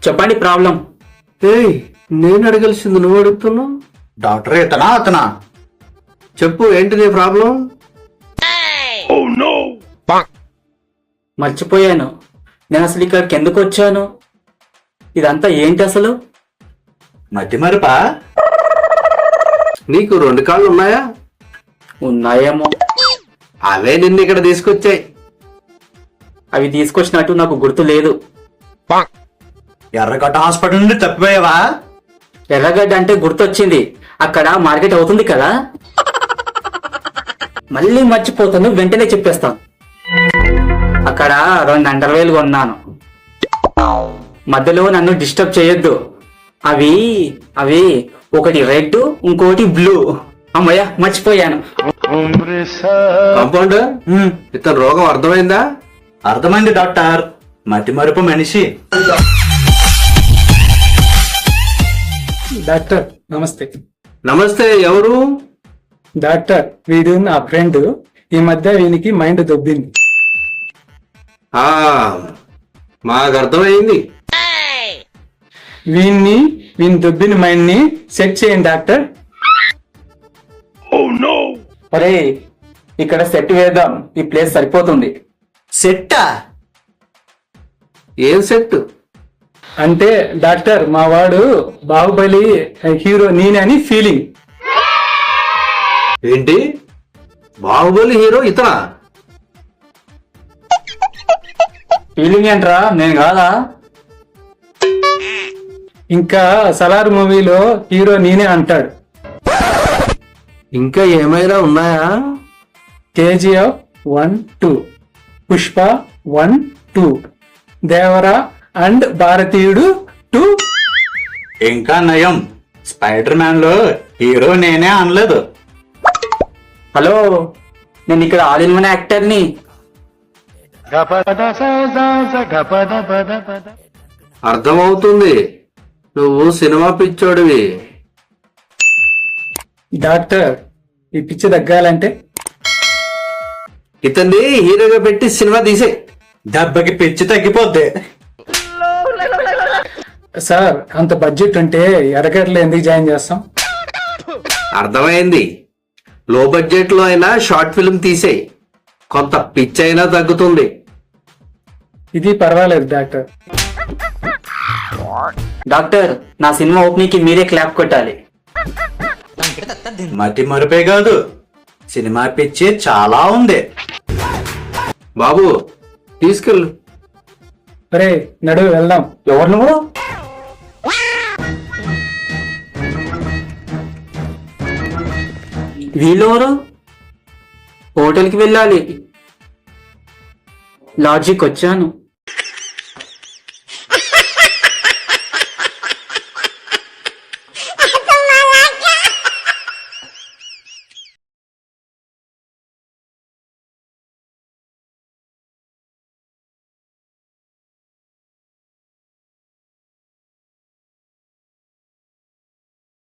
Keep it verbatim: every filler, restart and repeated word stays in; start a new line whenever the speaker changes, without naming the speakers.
చెప్పండి ప్రాబ్లం.
ఏయ్, నేను అడగాల్సింది నువ్వు అడుగుతున్నావు.
డాక్టర్ ఇతనా అతనా?
చెప్పు, ఏంటి నీ ప్రాబ్లం?
మర్చిపోయాను, నేను అసలు ఇక్కడికి ఎందుకు వచ్చాను? ఇదంతా ఏంటి అసలు?
మతి మరుపా?
నీకు రెండు కాళ్ళు ఉన్నాయా?
ఉన్నాయేమో.
అవే నిన్ను ఇక్కడ తీసుకొచ్చాయి.
అవి తీసుకొచ్చినట్టు నాకు గుర్తు లేదు.
ఎర్రగడ్డ హాస్పిటల్ నుండి తప్పిపోయావా?
ఎర్రగడ్డ అంటే గుర్తొచ్చింది, అక్కడ మార్కెట్ అవుతుంది కదా. మళ్ళీ మర్చిపోతాను, వెంటనే చెప్పేస్తాను. అక్కడ రెండు అండర్వేలు కొన్నాను. మధ్యలో నన్ను డిస్టర్బ్ చేయొద్దు. అవి అవి ఒకటి రెడ్, ఇంకోటి బ్లూ. అమ్మయ్య, మర్చిపోయాను.
కాంపౌండర్,
హ్మ్,
ఇతని రోగం అర్థమైందా?
అర్థమైంది డాక్టర్. మతి మరుపు మనిషి.
డాక్టర్ నమస్తే.
నమస్తే, ఎవరు?
డాక్టర్, వీడు నా ఫ్రెండ్. ఈ మధ్య వీనికి మైండ్ దొబ్బింది.
ఆ మాకు అర్థమైంది.
వీన్ని వీని దొబ్బిన మైండ్ ని సెట్ చేయండి డాక్టర్.
అరే, ఇక్కడ సెట్ వేద్దాం, ఈ ప్లేస్ సరిపోతుంది.
సెట్టా?
ఏం సెట్?
అంటే డాక్టర్, మా వాడు బాహుబలి హీరో నేనని ఫీలింగ్.
ఏంటి, బాహుబలి హీరో ఇతనా?
ఫీలింగ్ ఏంట్రా, నేను కాదా?
ఇంకా సలార్ మూవీలో హీరో నేనే అంటాడు.
ఇంకా ఏమైనా ఉన్నాయా?
KGF one two, Pushpa one two, Devara and Bharateeyudu two.
ఇంకా నయం, స్పైడర్ మ్యాన్ లో హీరో నేనే అనలేదు.
హలో, నేను ఇక్కడ ఆల్ ఇన్ వన్ యాక్టర్ని.
అర్థమవుతుంది, నువ్వు సినిమా పిచ్చోడివి.
డాక్టర్, ఈ పిచ్చి తగ్గాలంటే
ఇతన్ని హీరోగా పెట్టి సినిమా తీసే.
దెబ్బకి పిచ్చి తగ్గిపోద్ది.
సార్, అంత బడ్జెట్ ఉంటే ఎర్రగడ్డలో ఎందుకు జాయిన్ చేస్తాం?
అర్థమైంది, లో బడ్జెట్ లో అయినా షార్ట్ ఫిల్మ్ తీసేయి, కొంత పిచ్ అయినా తగ్గుతుంది.
ఇది పర్వాలేదు డాక్టర్.
డాక్టర్, నా సినిమా ఓపెనింగ్ కి మీరే క్లాప్ కొట్టాలి.
మతి మరుపే కాదు, సినిమా పిచ్చి చాలా ఉంది.
బాబు, తీసుకెళ్ళు.
అరే, నడువు వెళ్దాం.
ఎవరు నువ్వు? వీళ్ళెవరు? హోటల్కి వెళ్ళాలి. లాడ్జికి వచ్చాను.